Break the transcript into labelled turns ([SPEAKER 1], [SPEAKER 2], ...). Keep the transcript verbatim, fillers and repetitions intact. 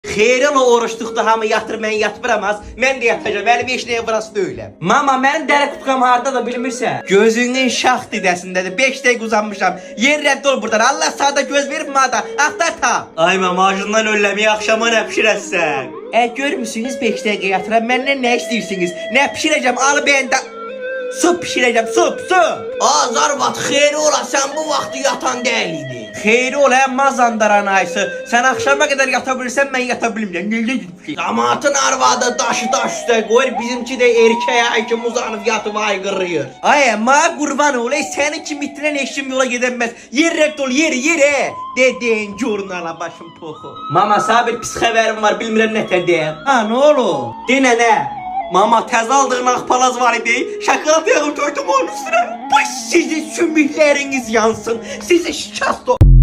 [SPEAKER 1] Xeyri ola oruçluqda hamı yatır, mən yatmıramaz. Mən də yatacağım, mənim heç nəyə burası deyiləm. Mama, mənim dəri qutqam harda da bilmirsən. Gözünün şax didəsindədir, beş dəqiq uzanmışam. Yer rədd ol buradan, Allah sağda göz verib mada, axtar ta. Ay mama, acından ölləməyə axşama nə pişirəsən? Ə, görmüsünüz beş dəqiqə yatıram, məndən nə istəyirsiniz? Nə pişirəcəm, alı bəndə... Su pişirəcəm, su, su. Azarvat, xeyri ola, sən bu vaxtı yatan deyil idi. Xeyri ola, mazandaran ayısı. Sən axşama qədər yata bilirsən, mən yata bilmirəm. Necə ki? Damatın arvadı daşı daş üstə qoyur, bizimki də erkəyə aykim uzanıb yatıb aygırıyır. Ay, ma qurban olay, sənin kimi itirən eşim yola gedəməz. Yer rədd ol, yer, yer, dedin, jurnala başım toxu. Mama, sabir pis xəbərim var, bilmirəm nətə deyəm. Ha, nə olur? Denə nə? Mama, təzə aldığın ağpalaz var idi, şakalat yağım koydum onun üstüne. Bu sizin sümükləriniz yansın, sizi şikast o...